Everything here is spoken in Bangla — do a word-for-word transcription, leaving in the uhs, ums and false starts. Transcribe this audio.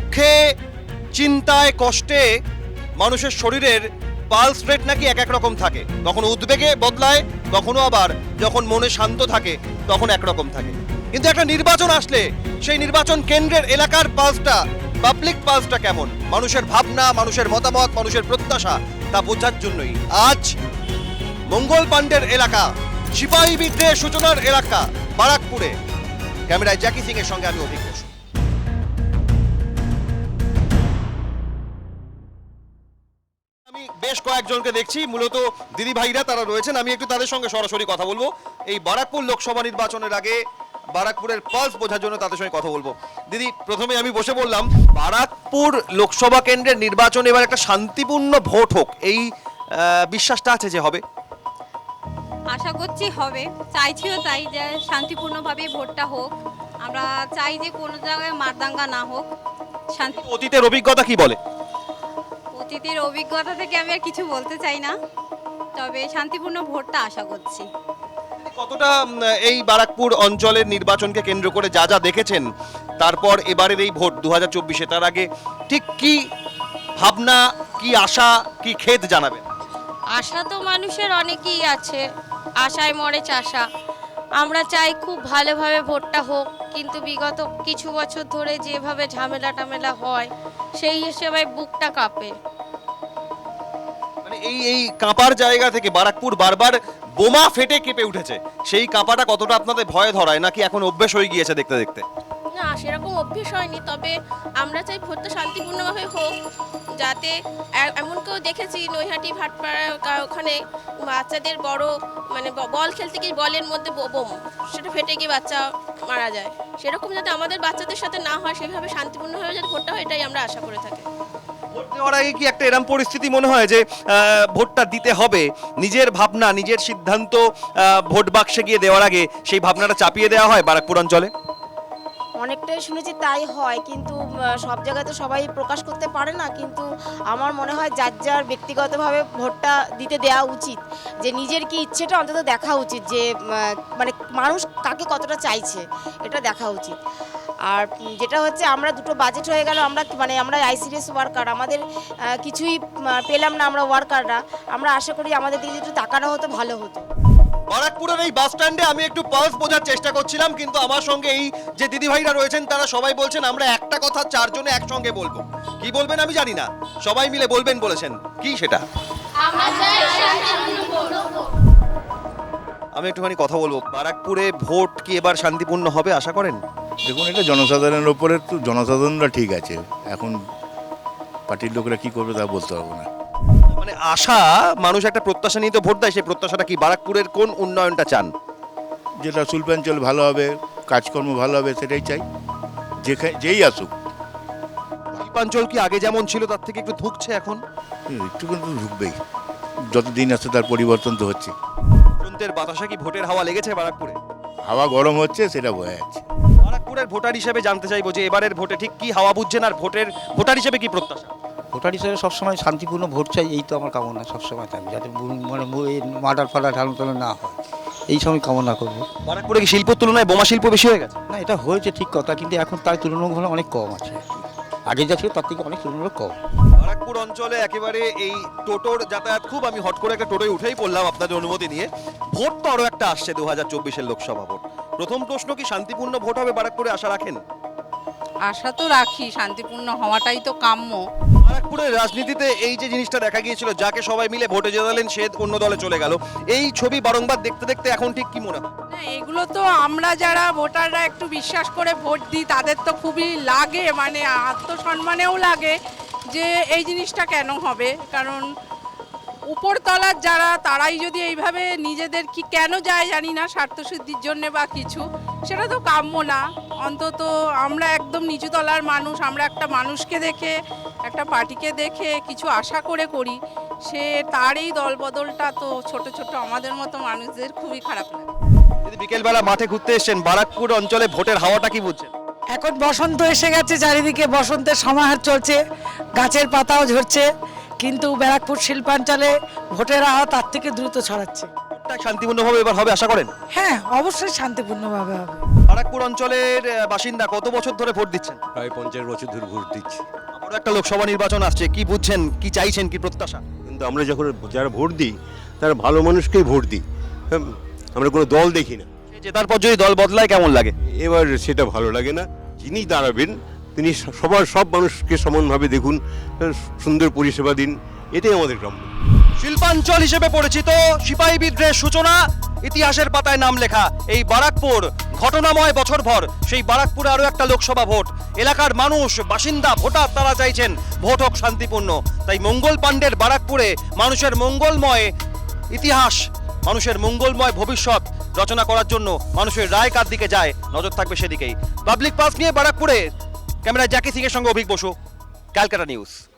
দুঃখে, চিন্তায়, কষ্টে মানুষের শরীরের পালস রেট নাকি এক এক রকম থাকে। কখনো উদ্বেগে বদলায়, কখনো আবার যখন মনে শান্ত থাকে তখন একরকম থাকে। কিন্তু একটা নির্বাচন আসলে সেই নির্বাচন কেন্দ্রের এলাকার পালসটা, পাবলিক পালসটা কেমন, মানুষের ভাবনা, মানুষের মতামত, মানুষের প্রত্যাশা, তা বোঝার জন্যই আজ মঙ্গল পাণ্ডের এলাকা, সিপাহী বিদ্রোহের সূচনার এলাকা বারাকপুরে ক্যামেরায় জ্যাকি সিং এর সঙ্গে আমি অভিজ্ঞ। আমি বেশ কয়েকজনকে দেখছি, মূলত দিদি ভাইরা তারা রয়েছেন, আমি একটু তাদের সঙ্গে সরাসরি কথা বলবো। এই বারাকপুর লোকসভা নির্বাচনের আগে বারাকপুরের পালস বোঝার জন্য তাদের সঙ্গে কথা বলবো। দিদি, প্রথমে আমি বসে বললাম, বারাকপুর লোকসভা কেন্দ্রের নির্বাচন এবার একটা শান্তিপূর্ণ ভোট হোক, এই বিশ্বাসটা আছে যে হবে? আশা করছি হবে, চাইছিও তাই যে শান্তিপূর্ণভাবে ভোটটা হোক। আমরা চাই যে কোনো জায়গায় মারদাঙ্গা না হোক, শান্তি। অতীতের অভিজ্ঞতা কি বলে? অতীতের অভিজ্ঞতা থেকে আমি আর কিছু বলতে চাই না, তবে শান্তিপূর্ণ ভোটটা আশা করছি। কতটা এই বারাকপুর অঞ্চলের নির্বাচনকে কেন্দ্র করে যা যা দেখেছেন, তারপর এবারের এই ভোট দু হাজার চব্বিশে, তার আগে ঠিক কি ভাবনা, কি আশা, কি খেদ জানাবেন? আশা তো মানুষের অনেকই আছে, আশায় মরে চাষা। আমরা চাই খুব ভালোভাবে ভোটটা হোক, কিন্তু বিগত কিছু বছর ধরে যেভাবে ঝামেলা টামেলা হয় সেই হিসেবে বুকটা কাঁপে। মানে এই এই কাঁপার জায়গা থেকে বারাকপুর বারবার বোমা ফেটে কেঁপে উঠেছে, সেই কাঁপাটা কতটা আপনাদের ভয় ধরায়, নাকি এখন অভ্যেস হয়ে গিয়েছে দেখতে দেখতে? না, সেরকম অভ্যেস হয়নি, তবে আমরা চাই ভোটটা শান্তিপূর্ণভাবে হোক। যাতে এমন কেউ দেখেছি নৈহাটি ভাটপাড়া ওখানে বাচ্চাদের বড় মানে বল খেলতে গিয়ে বলের মধ্যে বোম, সেটা ফেটে গিয়ে বাচ্চা মারা যায়। সেরকম যাতে আমাদের বাচ্চাদের সাথে না হয়, সেভাবে শান্তিপূর্ণভাবে যাতে ভোটটা হয়, এটাই আমরা আশা করে থাকি। ভোট দেওয়ার আগে কি একটা এরকম পরিস্থিতি মনে হয় যে ভোটটা দিতে হবে, নিজের ভাবনা, নিজের সিদ্ধান্ত ভোট বাক্সে গিয়ে দেওয়ার আগে সেই ভাবনাটা চাপিয়ে দেওয়া হয় বারাকপুর অঞ্চলে? অনেকটাই শুনেছি তাই হয়, কিন্তু সব জায়গায় তো সবাই প্রকাশ করতে পারে না। কিন্তু আমার মনে হয় যার যার ব্যক্তিগতভাবে ভোটটা দিতে দেওয়া উচিত, যে নিজের কি ইচ্ছেটা অন্তত দেখা উচিত, যে মানে মানুষ কাকে কতটা চাইছে এটা দেখা উচিত। আর যেটা হচ্ছে, আমরা দুটো বাজেট হয়ে গেল, আমরা মানে আমরা আইসিডিএস ওয়ার্কার, আমাদের কিছুই পেলাম না আমরা ওয়ার্কাররা। আমরা আশা করি আমাদের দিকে একটু তাকানো হতো, ভালো হতো। বারাকপুরের এই বাস স্ট্যান্ডে আমি একটু পালস বোঝার চেষ্টা করছিলাম, কিন্তু আমার সঙ্গে এই যে দিদি ভাইরা রয়েছেন তারা সবাই বলছেন আমরা একটা কথা চারজনে একসঙ্গে বলবো। কি বলবেন আমি জানি না, সবাই মিলে বলবেন বলেছেন, কি সেটা? আমি একটুখানি কথা বলবো, বারাকপুরে ভোট কি এবার শান্তিপূর্ণ হবে আশা করেন? দেখুন, এটা জনসাধারণের উপরে, তো জনসাধারণরা ঠিক আছে, এখন পার্টির লোকেরা কি করবে তা বলতে পারবো না। মানে আশা, মানুষ একটা প্রত্যাশা নিয়ে তো ভোট দেয়, সেই প্রত্যাশাটা কি? বারাকপুরের কোন উন্নয়নটা চান? যেটা শিল্পাঞ্চল ভালো হবে, কাজকর্ম ভালো হবে, সেটাই চাই, যেখানে যেই আসুক। শিল্পাঞ্চল কি আগে যেমন ছিল তার থেকে একটু ধুঁকছে এখন? একটু কিন্তু ঢুকবেই, যত দিন আসছে তার পরিবর্তন তো হচ্ছে। বসন্তের বাতাসে কি ভোটের হাওয়া লেগেছে বারাকপুরে? হাওয়া গরম হচ্ছে, সেটা বোঝা যাচ্ছে। বারাকপুরের ভোটার হিসেবে জানতে চাইবো যে এবারের ভোটে ঠিক কি হাওয়া বুঝছেন, আর ভোটের ভোটার হিসেবে কি প্রত্যাশা? ভোটার হিসেবে সবসময় শান্তিপূর্ণ ভোট চাই, এই তো আমার কামনা সবসময় থাকবে, যাতে মানে মার্ডার ফাডার ঢালন টালন না হয়, এই সময় কামনা করবো। বারাকপুরে কি শিল্পের তুলনায় বোমা শিল্প বেশি হয়ে গেছে? না, এটা হয়েছে ঠিক কথা, কিন্তু এখন তার তুলনামূলক অনেক কম আছে, আগে যা ছিল তার থেকে অনেক তুলনামূলক কম। বারাকপুর অঞ্চলে একেবারে এই টোটোর যাতায়াত খুব, আমি হট করে একটা টোটোয় উঠেই পড়লাম আপনাদের অনুমতি নিয়ে। ভোট তো আরও একটা আসছে, দু হাজার চব্বিশের লোকসভা ভোট। প্রথম প্রশ্ন, কি শান্তিপূর্ণ ভোট হবে বারাকপুরে, আশা রাখেন? আশা তো রাখি, শান্তিপূর্ণ হওয়াটাই তো কাম্য। বারাকপুরের রাজনীতিতে এই যে জিনিসটা দেখা গিয়েছিল, যাকে সবাই মিলে ভোটে জেতালেন সে অন্য দলে চলে গেল, এই ছবি বারংবার দেখতে দেখতে এখন ঠিক কি মনে হয়? না, এগুলো তো আমরা যারা ভোটাররা একটু বিশ্বাস করে ভোট দিই তাদের তো খুবই লাগে, মানে আত্মসম্মানেও লাগে যে এই জিনিসটা কেন হবে। কারণ উপরতলার যারা, তারাই যদি এইভাবে নিজেদের কি কেন যায় জানি না, স্বার্থসিদ্ধির জন্য বা কিছু, সেটা তো কাম্য না। অন্তত আমরা একদম নিচুতলার মানুষ, আমরা একটা মানুষকে দেখে, একটা পার্টিকে দেখে কিছু আশা করে করি, সে তার এই দলবদলটা তো ছোট ছোট আমাদের মতো মানুষদের খুবই খারাপ লাগে। যদি বিকেলবেলা মাঠে ঘুরতে এসছেন, বারাকপুর অঞ্চলে ভোটের হাওয়াটা কি বুঝছেন? এখন বসন্ত এসে গেছে, চারিদিকে বসন্তের সমাহার চলছে, গাছের পাতাও ঝরছে, কিন্তু ব্যারাকপুর শিল্পাঞ্চলে ভোটের হাওয়া তার থেকে দ্রুত ছড়াচ্ছে। ভোটটা শান্তিপূর্ণভাবে এবার হবে আশা করেন? হ্যাঁ, অবশ্যই শান্তিপূর্ণভাবে হবে। বারাকপুর অঞ্চলের আহ, বাসিন্দা কত বছর ধরে ভোট দিচ্ছেন? প্রায় পঞ্চাশ বছর ধরে ভোট দিচ্ছি। আবারও একটা লোকসভা নির্বাচন আসছে, কি বুঝছেন, কি চাইছেন, কি প্রত্যাশা? কিন্তু আমরা যখন যারা ভোট দিই তারা ভালো মানুষকেই ভোট দিই, হ্যাঁ, আমরা কোনো দল দেখি না। জেতার পর যদি দল বদলায় কেমন লাগে? এবার সেটা ভালো লাগে না। যিনি দাঁড়াবেন তিনি সবার সব মানুষকে সমানভাবে দেখুন, সুন্দর পরিষেবা দিন, এটাই আমাদের গ্রাম্য। শিল্পাঞ্চল হিসেবে পরিচিত সিপাহী বিদ্রোহের সূচনা, ইতিহাসের পাতায় নাম লেখা এই বারাকপুর, ঘটনাময় বছরভর সেই বারাকপুরে আরও একটা লোকসভা ভোট। এলাকার মানুষ, বাসিন্দা, ভোটার তারা চাইছেন ভোট হোক শান্তিপূর্ণ। তাই মঙ্গল পাণ্ডের বারাকপুরে মানুষের মঙ্গলময় ইতিহাস, মানুষের মঙ্গলময় ভবিষ্যৎ রচনা করার জন্য মানুষের রায় কার দিকে যায়, নজর থাকবে সেদিকেই। পাবলিক পাস নিয়ে বারাকপুরে ক্যামেরায় জ্যাকি সিং এর সঙ্গে অভিক বসু, ক্যালকাটা নিউজ।